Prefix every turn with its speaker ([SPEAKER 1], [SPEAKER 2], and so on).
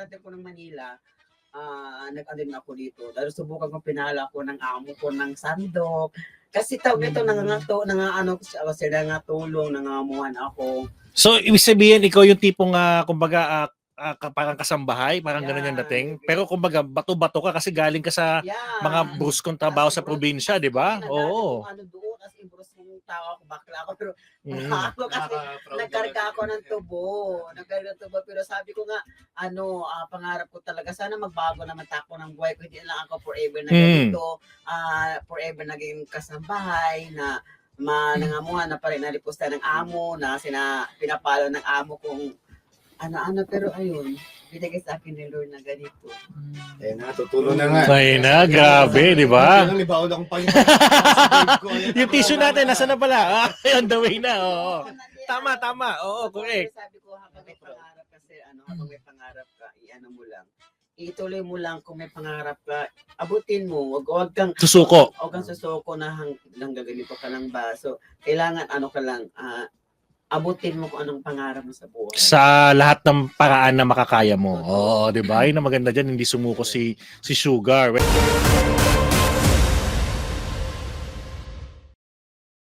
[SPEAKER 1] pagkarating ko ng Manila, nag-ano din ako dito. Dahil subukan ko pinala ko ng amo ko ng sandok. Kasi tawag ito, sila nga tulong, nangangamuhan ako.
[SPEAKER 2] So, ibig sabihin, ikaw yung tipong, kumbaga, parang kasambahay, parang ganun yung dating. Pero kumbaga, bato-bato ka kasi galing ka sa mga bruskong trabaho sa probinsya, di ba? Oo.
[SPEAKER 1] Ano doon, as in bruskong tao ako, bakla ako, pero ako kasi nagkarga ako ng tubo. Nagkarga ng tubo, pero sabi ko nga, pangarap ko talaga, sana magbago naman tako ng buhay ko. Hindi lang ako forever na ganito, forever naging kasambahay, na nangamuhan na pa rin nalipusta ng amo, na pinapalo ng amo kung ano, pero ayun, binigay sa akin ni Lord na ganito.
[SPEAKER 3] Eh, natutulong na nga.
[SPEAKER 2] Ay na, grabe, di ba?
[SPEAKER 3] Yung libaon akong panginoon.
[SPEAKER 2] Yung tissue natin, nasa na pala? On the way na, oo. Tama. Oo, correct.
[SPEAKER 1] Sabi ko, habang may pangarap kasi, habang may pangarap ka, mo lang. Ituloy mo lang kung may pangarap ka, abutin mo. Huwag kang
[SPEAKER 2] Susuko.
[SPEAKER 1] Huwag kang susuko na hanggang ganito ka lang ba. So, kailangan abutin mo kung anong pangarap mo sa buhay.
[SPEAKER 2] Sa lahat ng paraan na makakaya mo. Oo, di ba? Yun ang maganda dyan, hindi sumuko si Sugar.